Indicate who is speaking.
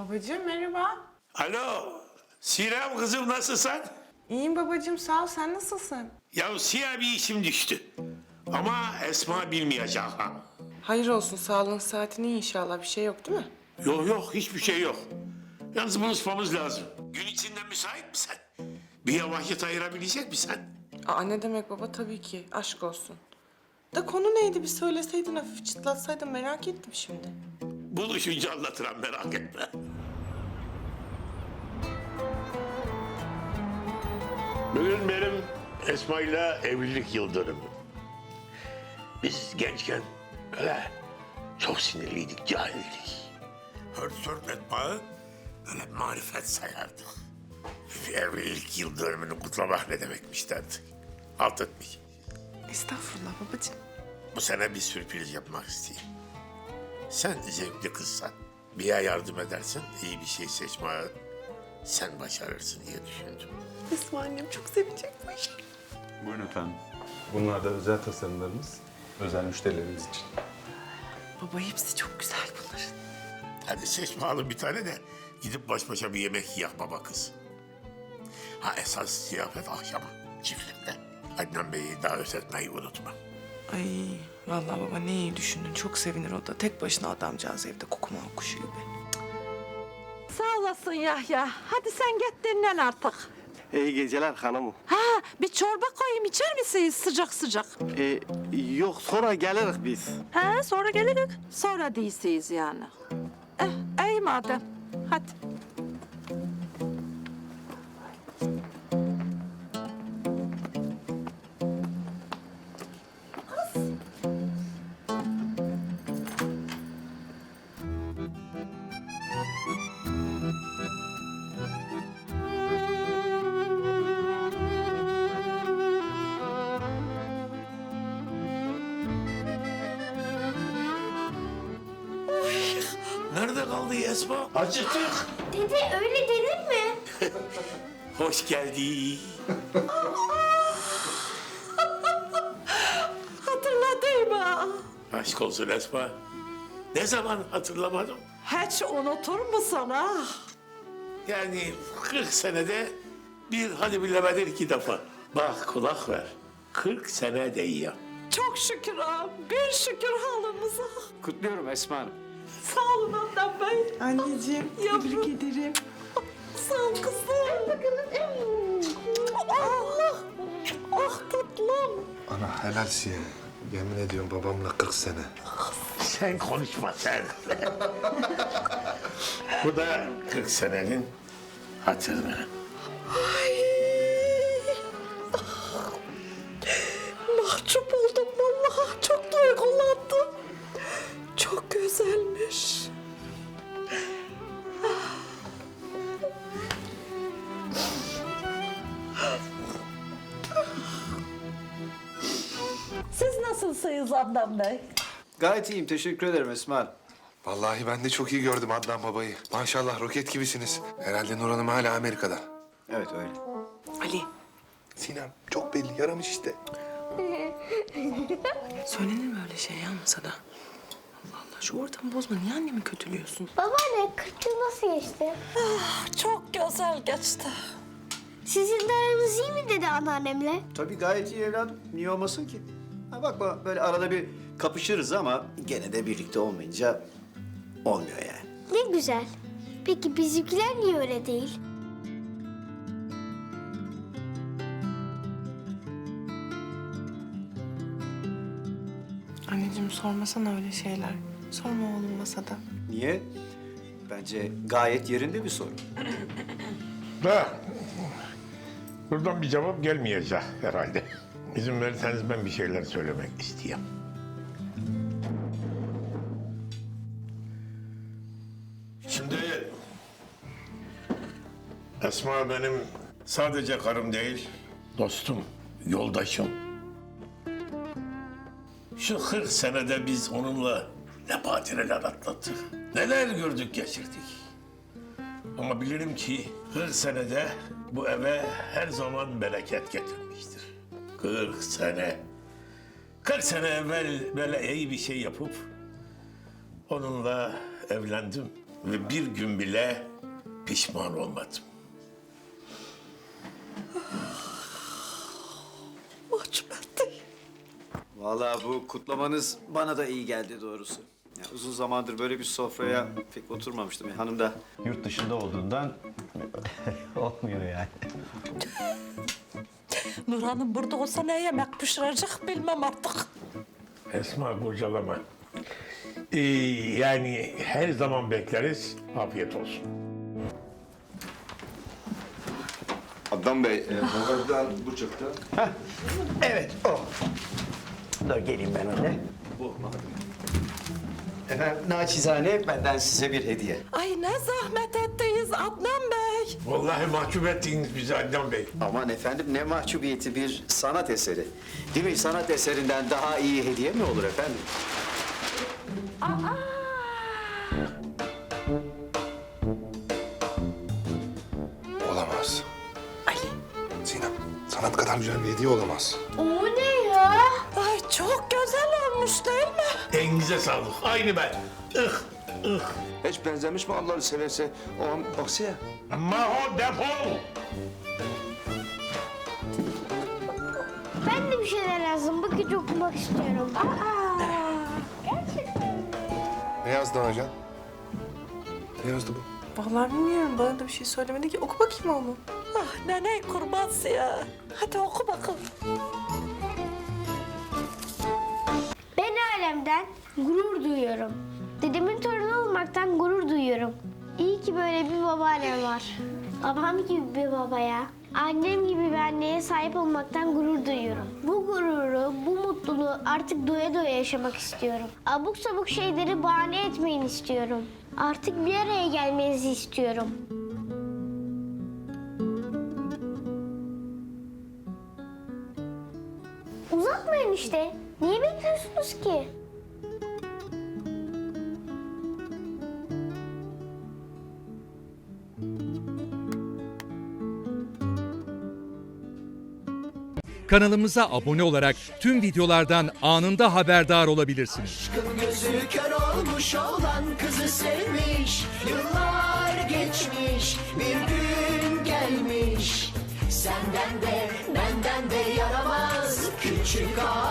Speaker 1: Babacığım merhaba.
Speaker 2: Alo, Sinem kızım nasılsın?
Speaker 1: İyiyim babacığım sağ ol. Sen nasılsın?
Speaker 2: Ya siyah bir işim düştü. Ama Esma bilmeyecek ha.
Speaker 1: Hayır olsun. Sağlığın saatin iyi inşallah. Bir şey yok değil mi?
Speaker 2: Yok hiçbir şey yok. Yalnız buluşmamız lazım. Gün içinde müsait misin? Bir vakit ayırabilecek misin?
Speaker 1: Aa ne demek baba? Tabii ki. Aşk olsun. Da konu neydi? Bir söyleseydin hafif çıtlatsaydın merak ettim şimdi.
Speaker 2: Buluşunca anlatırım merak etme. Bugün benim Esma'yla evlilik yıl dönümüm. Biz gençken öyle çok sinirliydik, cahildik. Hört etmeyi öyle marifet sayardık. Evlilik yıl dönümünü kutlamak ne demekmiş derdik. Alt etmiş.
Speaker 1: Estağfurullah babacığım.
Speaker 2: Bu sene bir sürpriz yapmak isteyeyim. Sen zevkli kızsan, bir yardım edersen iyi bir şey seçmeye sen başarırsın diye düşündüm.
Speaker 1: Esma annem çok sevecek bu işi.
Speaker 3: Buyurun efendim. Bunlar da özel tasarımlarımız. Özel müşterilerimiz için.
Speaker 1: Baba hepsi çok güzel bunların.
Speaker 2: Hadi seç bakalım bir tane de gidip baş başa bir yemek yiyek baba kız. Ha esas ziyafet akşama çiftlikte. Adnan Bey'i davet etmeyi unutma.
Speaker 1: Ay vallahi baba ne iyi düşündün. Çok sevinir o da. Tek başına adamcağız evde kokuma kuşu gibi.
Speaker 4: Sağ olasın Yahya. Hadi sen git dinlen artık.
Speaker 5: İyi geceler hanımım.
Speaker 4: Ha, bir çorba koyayım içer misiniz sıcak sıcak?
Speaker 5: Yok sonra geliriz biz.
Speaker 4: Ha, sonra geliriz. Sonra değilsiniz yani. İyi madem. Hadi.
Speaker 2: Nerede kaldı Esma? Acıktık.
Speaker 6: Dede öyle denir mi?
Speaker 2: Hoş geldin.
Speaker 4: Hatırladım ha.
Speaker 2: Aşk olsun Esma. Ne zaman hatırlamadım?
Speaker 4: Hiç unutur musun ha?
Speaker 2: Yani 40 senede bir hadi bilemedin iki defa. Bak kulak ver. 40 sene değil.
Speaker 4: Çok şükür ha. Bir şükür halımıza.
Speaker 7: Kutluyorum Esma Hanım.
Speaker 4: Sağ olun Adnan Bey.
Speaker 1: Anneciğim tebrik ederim.
Speaker 4: Sağ ol kızım. Allah. Ah tatlım.
Speaker 8: Ana helalsin ya. Yemin ediyorum babamla 40 sene.
Speaker 2: Sen konuşma sen. Bu da 40 senenin hatırı.
Speaker 4: Mahcup oldum vallahi. Çok duygulandım. Çok güzelmiş. Siz nasılsınız Adnan Bey?
Speaker 7: Gayet iyiyim, teşekkür ederim Esma Hanım.
Speaker 8: Vallahi ben de çok iyi gördüm Adnan babayı. Maşallah roket gibisiniz. Herhalde Nur Hanım hala Amerika'da.
Speaker 7: Evet öyle.
Speaker 1: Ali
Speaker 8: Sinem çok belli yaramış işte.
Speaker 1: söylenir mi öyle şey ya masada? Allah Allah şu ortamı bozma. Niye annemi kötülüyorsun?
Speaker 6: Babaanne 40 yıl nasıl geçti?
Speaker 4: Çok güzel geçti.
Speaker 6: Sizin de aranız iyi mi dedi anneannemle?
Speaker 7: Tabii gayet iyi evladım. Niye olmasın ki? Ha bakma böyle arada bir kapışırız ama gene de birlikte olmayınca olmuyor yani.
Speaker 6: Ne güzel. Peki bizimkiler niye öyle değil?
Speaker 1: Anneciğim sormasana öyle şeyler. Sorma oğlum masada.
Speaker 7: Niye? Bence gayet yerinde bir soru.
Speaker 2: Da buradan bir cevap gelmeyecek herhalde. İzin verirseniz ben bir şeyler söylemek istiyorum. Şimdi Esma benim sadece karım değil, dostum, yoldaşım. Şu 40 senede biz onunla ne badireler atlattık, neler gördük geçirdik. Ama bilirim ki 40 senede bu eve her zaman bereket getirmiştir. 40 sene. 40 sene evvel böyle iyi bir şey yapıp onunla evlendim. ve bir gün bile pişman olmadım.
Speaker 4: Mahcup etti.
Speaker 7: Vallahi bu kutlamanız bana da iyi geldi doğrusu. Ya uzun zamandır böyle bir sofraya pek oturmamıştım. Hanım da yurt dışında olduğundan olmuyor yani.
Speaker 4: Nurhan'ım burada olsa ne yemek pişirecek bilmem artık.
Speaker 2: Esma bocalama. Yani her zaman bekleriz. Afiyet olsun.
Speaker 8: Adnan Bey, bagajdan bu çıktı.
Speaker 7: Evet o. Dur geleyim ben öyle. Bu. Efendim naçizane benden size bir hediye.
Speaker 4: Ay ne zahmet ettiniz Adnan Bey.
Speaker 2: Vallahi mahcup ettiniz bizi Adnan Bey.
Speaker 7: Aman efendim ne mahcubiyeti bir sanat eseri. Değil mi? Sanat eserinden daha iyi hediye mi olur efendim?
Speaker 8: Olamaz. Ali. Sinem, sanat kadar güzel bir hediye olamaz.
Speaker 6: O ne ya?
Speaker 4: Ay çok güzel olmuş değil mi?
Speaker 2: Elinize sağlık. Aynı ben.
Speaker 8: Hiç benzemiş mi Allah'ını severse? O an baksana.
Speaker 2: Maho defol.
Speaker 6: Ben de bir şeyler yazdım. Bakıcı okumak istiyorum.
Speaker 8: Ne yazdı hocam? Ne yazdı bu?
Speaker 1: Vallahi bilmiyorum. Bana da bir şey söylemedi ki. Oku bakayım onu.
Speaker 4: Ah nene kurbansı ya. Hadi oku bakalım.
Speaker 6: Ben ailemden gurur duyuyorum. Dedemin torunu olmaktan gurur duyuyorum. İyi ki böyle bir babaannem var. Babam gibi bir babaya, annem gibi bir anneye sahip olmaktan gurur duyuyorum. Bu gururu, bu mutluluğu artık doya doya yaşamak istiyorum. Abuk sabuk şeyleri bahane etmeyin istiyorum. Artık bir araya gelmenizi istiyorum. Uzatmayın işte. Niye bekliyorsunuz ki?
Speaker 9: Kanalımıza abone olarak tüm videolardan anında haberdar olabilirsiniz.
Speaker 10: Gözü kör olmuş olan kızı sevmiş. Yıllar geçmiş, bir gün gelmiş. Senden de benden de yaramaz küçük ağa.